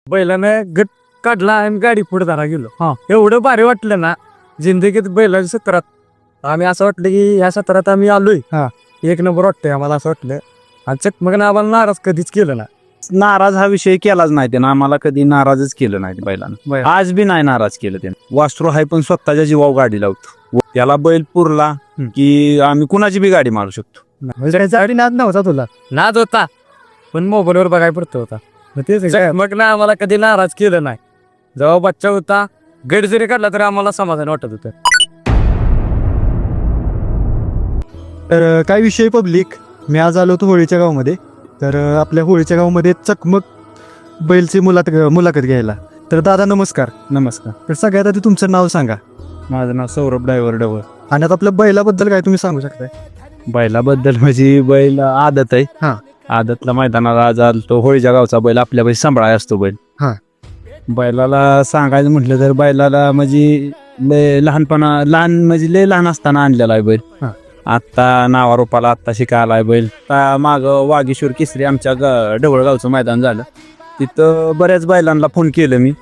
बैलानं गट काढला आणि गाडी पुढे धरा गेलो. एवढं भारी वाटलं ना जिंदगीत बैलाच्या सत्रात. आम्ही असं वाटलं की ह्या सत्रात आम्ही आलोय. एक नंबर वाटतंय आम्हाला असं वाटलं. आणि चकमकनं आम्हाला नाराज कधीच केलं ना. नाराज हा विषय केलाच नाही त्यानं, आम्हाला कधी नाराजच केलं नाही बैलानं. आज बी नाही नाराज केलं त्यानं. वासरू हाय पण स्वतःच्या जीवावर गाडी लावतो. त्याला बैल पुरला की आम्ही कुणाची बी गाडी मारू शकतो. गाडी नाद नव्हता तुला? नाद होता पण मोबाईलवर बघायला पडतो होता. मग ना आम्हाला कधी नाराज केलं नाही. जेव्हा बच्चा होता गड जरी काढला तरी आम्हाला समाधान वाटत होतं. तर काय विषय पब्लिक, मी आज आलो होतो होळीच्या गावामध्ये. तर आपल्या होळीच्या गावामध्ये चकमक बैलची मुलाखत घ्यायला. तर दादा नमस्कार. नमस्कार, तर सगळ्यात आधी तुमचं नाव सांगा. माझं नाव सौरभ ड्रायव्हर डवळ. आणि आता आपल्या बैलाबद्दल काय तुम्ही सांगू शकताय? बैलाबद्दल म्हणजे बैल आदत आहे. आदतला मैदानाला आज आलतो. होळीच्या गावचा बैल आपल्या बैल सांभाळाय असतो बैल. बैलाला सांगायचं म्हटलं तर बैलाला म्हणजे लहान म्हणजे लय लहान असताना आणलेला आहे बैल. आत्ता नावारूपाला आत्ता शिकायला आहे बैल. माग वागेश्वर केसरी आमच्या ढवळ गावचं मैदान झालं. तिथं बऱ्याच बैलांना फोन केलं मी.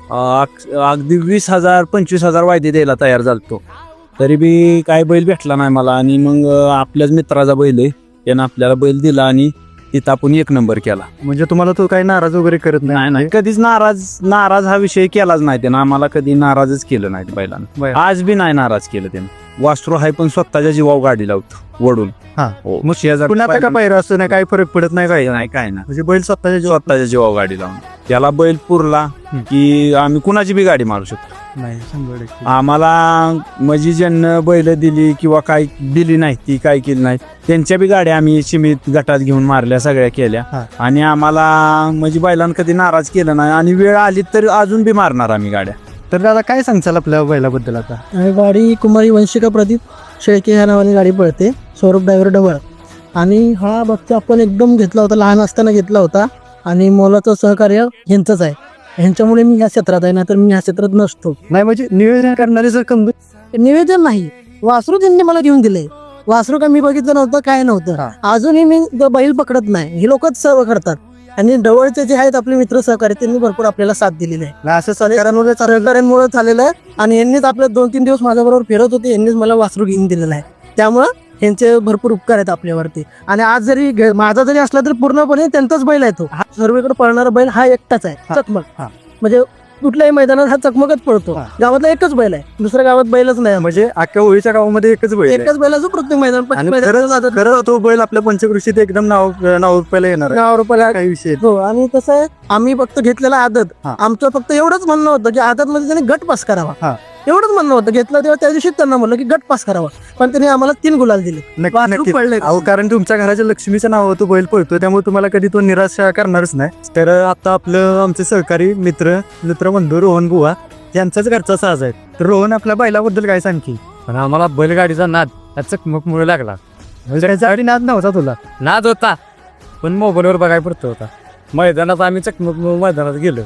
अगदी 20,000 25,000 वायदे द्यायला तयार झालतो. तरी बी काय बैल भेटला नाही मला. आणि मग आपल्याच मित्राचा बैल आहे, त्यानं आपल्याला बैल दिला आणि तिथं आपण एक नंबर केला. म्हणजे तुम्हाला तो काही नाराज वगैरे करत नाही, कधीच नाराज हा विषय केलाच नाही त्यानं, आम्हाला कधी नाराजच केलं नाही बैलानं. आज बी नाही नाराज केलं त्यानं. वासरू हाय पण स्वतःच्या जीवावर गाडी लावतो वडून. मग पुन्हा का पायरा असतो ना, काही फरक पडत नाही काय? काय ना, म्हणजे बैल स्वतःच्या जीवावर गाडी लावून त्याला बैल पुरला की आम्ही कुणाची बी गाडी मारू शकतो. नाही 100%. आम्हाला म्हणजे ज्यांना बैल दिली किंवा काय दिली नाही ती काय केली नाही त्यांच्या बी गाड्या आम्ही सीमित गटात घेऊन मारल्या, सगळ्या केल्या. आणि आम्हाला म्हणजे बैलांना कधी नाराज केलं नाही. आणि वेळ आली तर अजून बी मारणार आम्ही गाड्या. तर दादा काय सांगचाल आपल्या बैलाबद्दल आता? गाडी कुमारी वंशिका प्रदीप शेळके ह्या नावाने गाडी पळते. सौरभ ड्रायव्हर डवळ. आणि हा बघतो आपण एकदम घेतला होता, लहान असताना घेतला होता. आणि मोलाचं सहकार्य ह्यांचंच आहे. ह्यांच्यामुळे मी ह्या क्षेत्रात आहे, नाहीतर मी ह्या क्षेत्रात नसतो. नाही म्हणजे नियोजन करणारे जर निवेदन नाही, वासरू त्यांनी मला घेऊन दिले. वासरू काय मी बघितलं नव्हतं, काय नव्हतं. अजूनही मी बैल पकडत नाही, हे लोकच सर्व करतात. आणि जवळचे जे आहेत आपले मित्र सहकारी त्यांनी भरपूर आपल्याला साथ दिलेली आहे. असं सहकार्यांमुळे झालेलं आहे. आणि यांनीच आपले 2-3 दिवस माझ्याबरोबर फिरत होते, यांनीच मला वासरू घेऊन दिलेलं आहे. त्यामुळं यांचे भरपूर उपकार आहेत आपल्यावरती. आणि आज जरी माझा जरी असला तरी पूर्णपणे त्यांचाच बैल आहे. तो हा सर्वेकडे पळणारा बैल हा एकटाच आहे, चकमक. म्हणजे कुठल्याही मैदानात हा चकमकच पळतो. गावातला एकच बैल आहे, दुसऱ्या गावात बैलच नाही. म्हणजे अख्ख्या होळीच्या गावामध्ये एकच बैलाचं प्रत्येक मैदान. खरं तो बैल आपल्या पंचकृषीत एकदम नाव रुपयाला येणार रुपयाला काही विषय. हो. आणि कसं आहे, आम्ही फक्त घेतलेला आदत. आमचं फक्त एवढंच म्हणणं होतं की आदत मध्ये त्यांनी गट पास करावा, एवढंच म्हणणं होतं. घेतलं तेव्हा त्या दिवशी त्यांना म्हणलं की गट पास करावा. पण त्यांनी आम्हाला 3 गुलाल दिले. पडले. कारण तुमच्या घराच्या लक्ष्मीचं नाव तो बैल पळतो, त्यामुळे तुम्हाला कधी तो निराशा करणारच नाही. तर आता आपलं आमचे सहकारी मित्र बंधू रोहन बुवा यांचाच घरचा साज आहे. तर रोहन आपल्या बैलाबद्दल काय सांगतील? पण आम्हाला बैलगाडीचा नाद त्या चकमकमुळे लागला. गाडी नाद नव्हता तुला? नाद होता पण मोबाईलवर बघायला पडतो होता. मैदानात आम्ही चकमक मैदानात गेलो.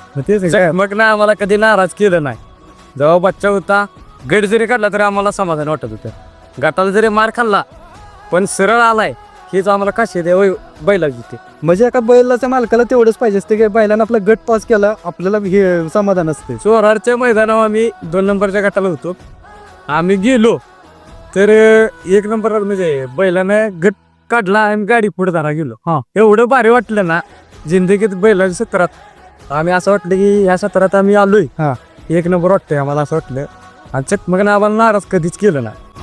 मग ना आम्हाला कधी नाराज केलं नाही. जेव्हा बच्चा होता गड जरी काढला तरी आम्हाला समाधान वाटत होतं. गटाला जरी मार खाल्ला पण सरळ आलाय हेच आम्हाला कसे बैला जिथे. म्हणजे एका बैलाच्या मालकाला तेवढंच पाहिजे असते की बैलानं आपला गट पास केला, आपल्याला हे समाधान असते. चोरारच्या मैदानावर आम्ही 2 नंबरच्या गटाला होतो. आम्ही गेलो तर 1 नंबर म्हणजे बैलानं गट काढला आणि गाडी पुढे धरा गेलो. एवढं भारी वाटलं ना जिंदगीत बैलाच्या सत्रात. आम्ही असं वाटलं की ह्या सत्रात आम्ही आलोय. 1 नंबर वाटतंय आम्हाला असं वाटलं. आणि चकमकनं आम्हाला नाराज कधीच केलं ना.